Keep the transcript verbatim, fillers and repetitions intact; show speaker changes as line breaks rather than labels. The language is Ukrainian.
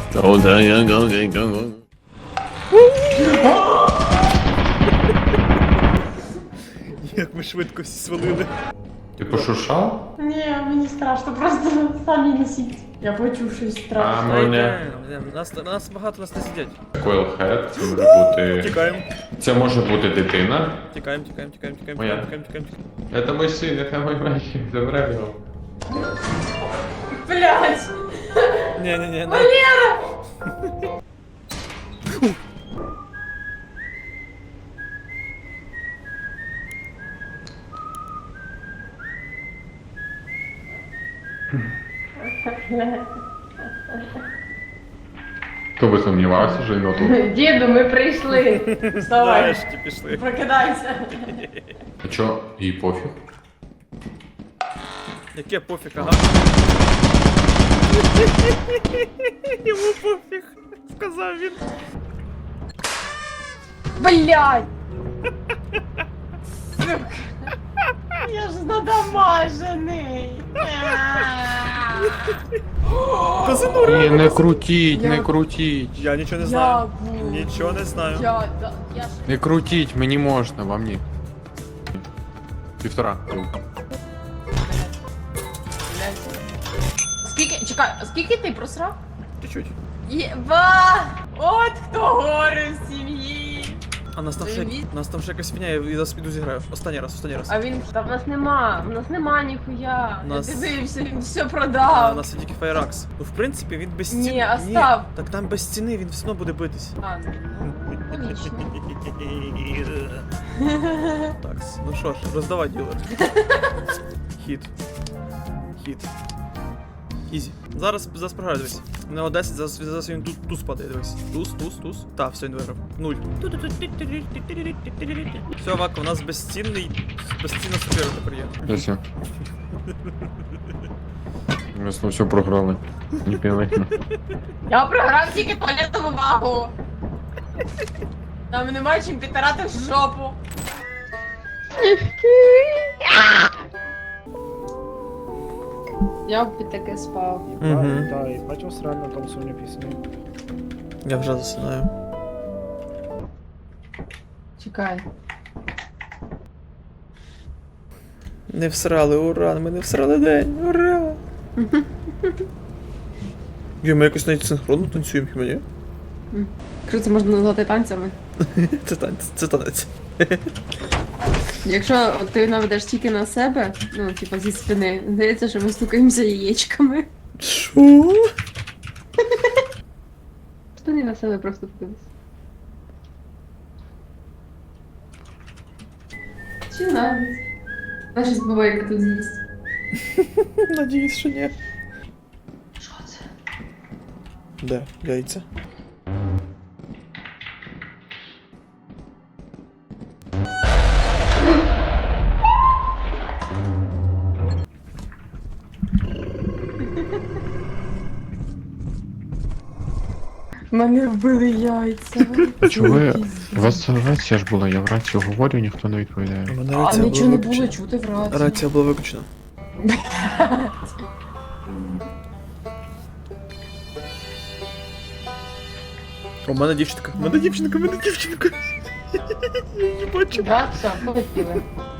Go, go, go, go, go.
Як ми швидко всі свалили.
Ти пошуршав?
Ні, мені страшно, просто самі несіть. Я почув щось
А
страшне.
мене
Нас, нас багато нас не сидять.
Coilhead, це може бути.
Тікаємо,
Це може бути дитина.
тікаємо, тікаємо, тікаємо, тікаємо,
Моя.
тікаємо, тікаємо, тікаємо.
Це мій син, це мій мальчик, забирай його.
Блять!
Ні, ні, ні.
Валера!
Хто би сумнівався, що він отут?
Діду, ми прийшли. Вставай.
Нарешті пішли.
Прокидайся.
А чо, їй пофіг?
Яке пофіг, ага. Йому пофіг, сказав він.
Блять! Я ж надамажений.
Казино.
Ні, не крутіть, не
Я-
крутіть.
Я нічого не знаю.
Я буду.
Нічого не знаю.
Я, да, я ж...
Не крутіть, мені можна, вам ні. Півтора.
Блядь. Скільки, чекай, а скільки ти просрав?
Чуть-чуть.
Єба! От хто горе в сім'ї.
А нас там ще,
Привіт.
нас там ще якась фігня, я зараз піду зіграю. Останній раз, останній раз.
А він, та в нас нема, в нас нема ніхуя.
Нас-
Я дивився, він все
А, у
продав.
нас є тільки Фаєракс. Ну, в принципі, він без ціни.
Ні, остав.
Так там без ціни, він все одно буде битись.
А, ну, логічно.
Так, ну що ж, роздавай ділер. Хід. Хід. Ізі. Зараз, зараз програю, дивись. У нього десять, зараз, зараз він тут туз падає, дивись. Туз, туз, туз. Так, все, він виграв. Нуль. Все, Вака, у нас безцінний, безцінна супера тепер є.
Все. Ми знову все програли. Не пілихно.
Я програв тільки туалетну вагу. Нам немає чим підтирати в жопу. Я б під таке спав.
Мгм.
Да, і бачив реально танцювальні пісні.
Я вже засинаю.
Чекай.
Не всрали, ура, ми не всрали день, ура! Є, ми якось навіть синхронно танцюємо, хіба ні?
Якщо це можна назвати танцями.
Це танець, це танець.
Якщо ти наведеш тільки на себе, ну, типа зі спини, здається, що ми стукаємося яєчками.
Що?
Що не на себе просто подивись. Чи навіть? Наша збивайка тут з'їсть.
Надіюсь, що ні.
Що це?
Де? Яйця?
Мене вбили яйця.
А чого ви? У вас рація ж була, я в рацію говорю, ніхто не відповідає.
У мене
А
рація
нічого не
була
було
виключена.
чути в рації.
Рація була виключена. У мене дівчинка, у мене дівчинка, у мене дівчинка. Я її бачу.
Да, все, полетіли.